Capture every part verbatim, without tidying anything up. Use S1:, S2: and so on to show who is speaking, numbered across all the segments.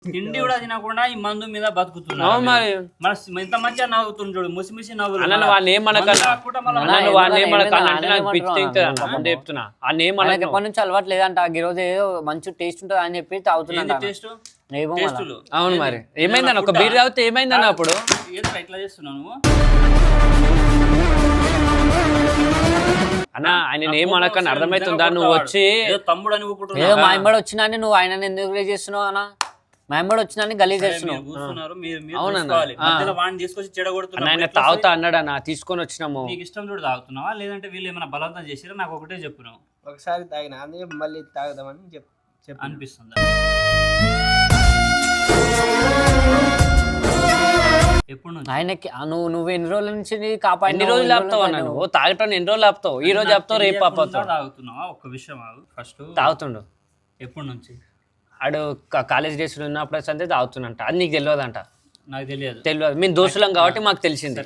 S1: తిండి కూడా తినకుండా ఈ మందు మీద బతుకుతున్నా మరి ఇంత మంచిగా నవ్వుతుంది చూడు ముసి ముసి నవ్వులు
S2: అన్న వాళ్ళు ఏమనకన్నా వాళ్ళు ఏమనకన్నా అంటే నాకు పిచ్చి తింటుంది చెప్తున్నా వాళ్ళు ఏమనక
S3: ఎప్పటి నుంచి అలవాటు లేదంట ఈ రోజు ఏదో మంచి టేస్ట్ ఉంటుంది అని చెప్పి తాగుతున్నా
S1: టేస్ట్
S2: అవును మరి ఏమైందన్న ఒక బీర్ తాగితే ఏమైందన్న అప్పుడు
S1: ఇట్లా చేస్తున్నావు
S2: అన్న ఆయన ఏమనకన్నా అర్థమవుతుందా నువ్వు వచ్చి
S1: తమ్ముడు అని
S3: ఏదో మా ఇంబడి వచ్చినా నువ్వు ఆయన ఎందుకు చేస్తున్నావు అన్న మా ఇంబడి వచ్చినా గలీజ్ చేస్తున్నావు
S2: ఆయన తాగుతా అన్నాడు అన్న తీసుకొని వచ్చినాము
S1: నీకు ఇష్టం చూడు తాగుతున్నావా లేదంటే వీళ్ళు ఏమైనా బలవంతం చేసిరా నాకు ఒకటే చెప్పినావు
S4: ఒకసారి తాగిన అదే మళ్ళీ తాగుదామని చెప్పి
S1: అనిపిస్తుంది ఎప్పుడు
S3: ఆయనకి నువ్వు నువ్వు ఎన్ని రోజుల నుంచి కాపాడు
S2: ఎన్ని రోజులు ఆపుతావు అన్న నువ్వు తాగటం ఎన్ని రోజులు ఆపుతావు ఈ రోజు ఆపుతావు రేపు ఆపుతావు
S1: తాగుతున్నావా ఒక్క విషయం ఫస్ట్
S2: తాగుతుండు
S1: ఎప్పటి నుంచి
S2: ఆడు కాలేజ్ డేస్ ఉన్నప్పుడు అంతే తాగుతున్నంట అది నీకు తెలియదంట
S1: నాకు తెలియదు
S2: తెలియదు మేము దోస్తులం కాబట్టి మాకు తెలిసింది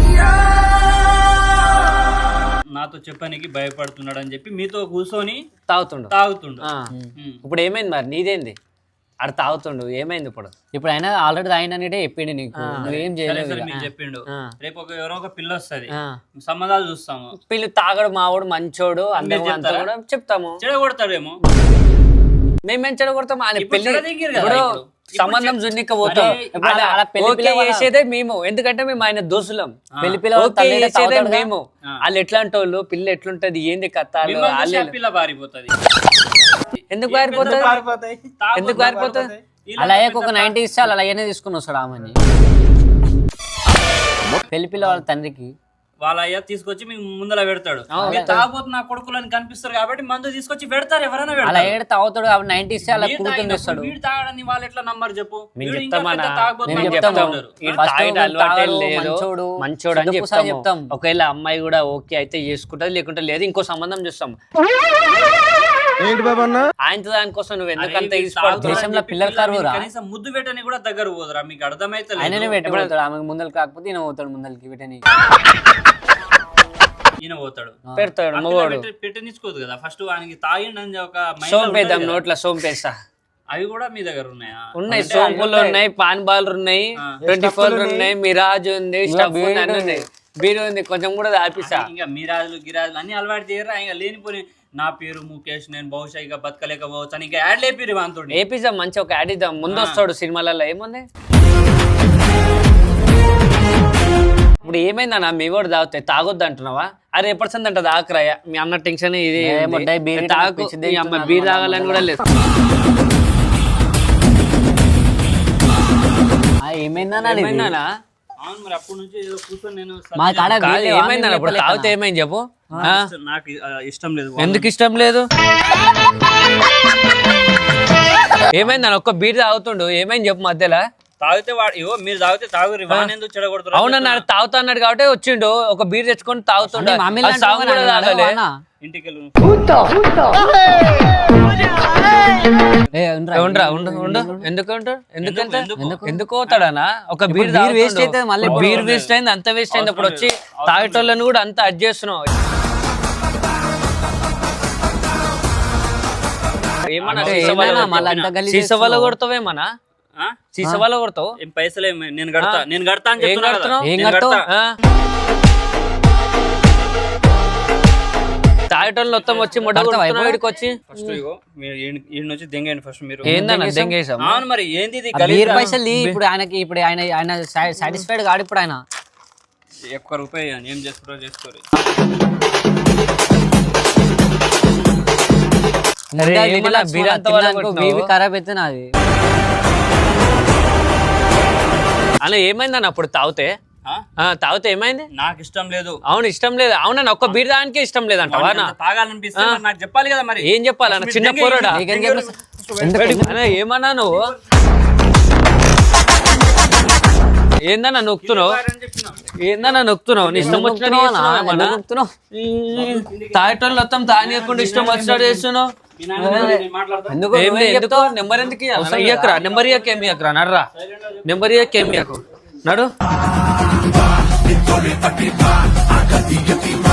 S1: నాతో చెప్పడానికి భయపడుతున్నాడు అని చెప్పి మీతో కూర్చొని
S2: తాగుతుండు
S1: తాగుతుండు
S2: ఇప్పుడు ఏమైంది మరి నీదేంది ఆడ తాగుతుండు ఏమైంది ఇప్పుడు
S3: ఇప్పుడు ఆయన ఆల్రెడీ తాగిననే చెప్పిండు నీకు నువ్వేం చేయలేదు
S1: మీకు చెప్పిండు రేపు ఒక ఎవరో ఒక పిల్ల వస్తుంది సంబంధాలు చూస్తాము
S2: పిల్లి తాగడు మావాడు మంచోడు అందరూ అంతా కూడా చెప్తాము
S1: చెడగొడతాడేమో
S2: మేమేం చెడగొడతాం ఆయన పెళ్లి సంబంధం జున్నిక పోతాం చేసేదే మేము ఎందుకంటే మేము ఆయన దోసులం
S3: పెళ్లి పిల్ల
S2: మేము వాళ్ళు ఎట్లాంటి వాళ్ళు పిల్ల ఎట్లుంటది ఏంది కథ
S1: పిల్ల పారిపోతుంది
S2: ఎందుకు పారిపోతుంది ఎందుకు పారిపోతుంది
S3: అలా ఒక నైన్టీ ఇస్తే అలా అలాగే తీసుకుని వస్తాడు ఆమెని పెళ్లి పిల్ల వాళ్ళ తండ్రికి
S1: వాళ్ళ అయ్య తీసుకొచ్చి మీకు ముందర పెడతాడు తాగబోతు నా కొడుకులని కనిపిస్తారు కాబట్టి మందు తీసుకొచ్చి పెడతారు ఎవరైనా
S3: అలా ఏడు తాగుతాడు కాబట్టి నైన్టీ ఇస్తే అలా కూర్చొని ఇస్తాడు
S1: వీడు తాగడని వాళ్ళు ఎట్లా నమ్మరు చెప్పు
S2: మంచోడు అని చెప్తాం ఒకవేళ అమ్మాయి కూడా ఓకే అయితే చేసుకుంటది లేకుంటే లేదు ఇంకో సంబంధం చూస్తాం ఆయనతో దానికోసం నువ్వు ఎందుకంత
S3: దేశంలో పిల్లల కరువురా
S1: కనీసం ముద్దు పెట్టని కూడా దగ్గర పోదురా మీకు అర్థమైతే
S3: ఆయననే పెట్టబడతాడు ఆమెకు ముందలు కాకపోతే ఈయన పోతాడు ముందలకి పెట్టని
S1: ఈయన పోతాడు
S2: పెడతాడు మగవాడు
S1: పెట్టనిచ్చుకోదు కదా ఫస్ట్ ఆయనకి తాగిండని ఒక
S2: సోంపేద్దాం నోట్ల సోంపేస్తా
S1: అవి కూడా మీ దగ్గర ఉన్నాయా
S2: ఉన్నాయి సోంపులు ఉన్నాయి పాన్ బాల్ ఉన్నాయి ట్వంటీ ఫోర్ ఉన్నాయి మిరాజ్ ఉంది స్టఫ్ ఉన్నాయి బీరు ఉంది కొంచెం కూడా ఆపిస్తా
S1: ఇంకా మిరాజులు గిరాజులు అన్ని అలవాటు చేయరా ఇంకా లేనిపోయి నా పేరు ముఖేష్ నేను బహుశా ఇక బతకలేకపోవచ్చు అని ఇంకా యాడ్ లేపిరు వాంతో
S2: ఏపిద్దాం మంచి ఒక యాడ్ ఇద్దాం ముందు వస్తాడు సినిమాలలో ఏముంది ఇప్పుడు ఏమైందన్నా మీ కూడా తాగుతాయి తాగొద్దు అంటున్నావా అరే ఎప్పటి అంట తాకరాయ మీ అన్న టెన్షన్ ఇది తాగు అమ్మ బీర్ తాగాలని కూడా లేదు
S3: ఏమైందన్నా
S1: మరి అప్పటి నుంచి ఏదో కూర్చొని నేను
S2: ఏమైందన్న ఇప్పుడు తాగితే ఏమైంది చెప్పు
S1: నాకు ఇష్టం లేదు
S2: ఎందుకు ఇష్టం లేదు ఏమైందన్న ఒక్క బీర్ తాగుతుండు ఏమైంది చెప్పు మధ్యలో
S1: తాగితే వాడు ఇవో మీరు తాగితే తాగురు ఎందుకు చెడగొడుతున్నారు
S2: అవునన్నాడు తాగుతా అన్నాడు కాబట్టి వచ్చిండు ఒక బీర్ తెచ్చుకొని తాగుతుండే
S1: ఇంటికి
S2: ఎందుకు ఎందుకు పోతాడనా ఒక బీర్ వేస్ట్ అయితే మళ్ళీ బీర్ వేస్ట్ అయింది అంత వేస్ట్ అయింది అప్పుడు వచ్చి తాగేటోళ్ళని కూడా అంత అడ్జస్ట్ చేస్తున్నావు ఏమన్నా సీస వల్ల కొడతావేమన్నా సీస వల్ల కొడతావు
S1: పైసలు నేను కడతా నేను కడతా అని
S2: ఏం కడుతున్నావు ఏం కడతావు తాగేటోళ్ళు మొత్తం వచ్చి మొట్టకి వచ్చి
S1: ఫస్ట్ నుంచి దెంగండి ఫస్ట్ మీరు
S2: ఏందన్నా దెంగేసాం
S1: అవును మరి ఏంది
S3: పైసలు ఇప్పుడు ఆయనకి ఇప్పుడు ఆయన ఆయన సాటిస్ఫైడ్ కాడు ఇప్పుడు ఆయన
S1: ఒక్క రూపాయి ఏం చేసుకుంటారో చేసుకోరు
S3: ఖరాబ్ అయితే నాది
S2: అలా ఏమైందన్న అప్పుడు తాగితే తాగితే ఏమైంది
S1: నాకు ఇష్టం లేదు
S2: అవును ఇష్టం లేదు అవునన్న ఒక్క బీర్ దానికే ఇష్టం లేదంటావా
S1: తాగాలనిపిస్తే నాకు చెప్పాలి కదా మరి
S2: ఏం చెప్పాలన్న చిన్న పోరాడా ఏమన్నా నువ్వు ఏందన్నా నొక్కుతున్నావు ఏందన్నా నొక్కుతున్నావు నీ ఇష్టం వచ్చినట్టున్నావు తాగేటోళ్ళు మొత్తం తాగనీయకుండా ఇష్టం వచ్చినట్టు చేస్తున్నావు ఎందుకు నెంబర్ ఎందుకు ఇయ్యకరా నెంబర్ ఇయ్యక ఏమి ఇయ్యకరా నడరా నెంబర్ ఇయ్యక ఏమి ఇయ్యకు నడు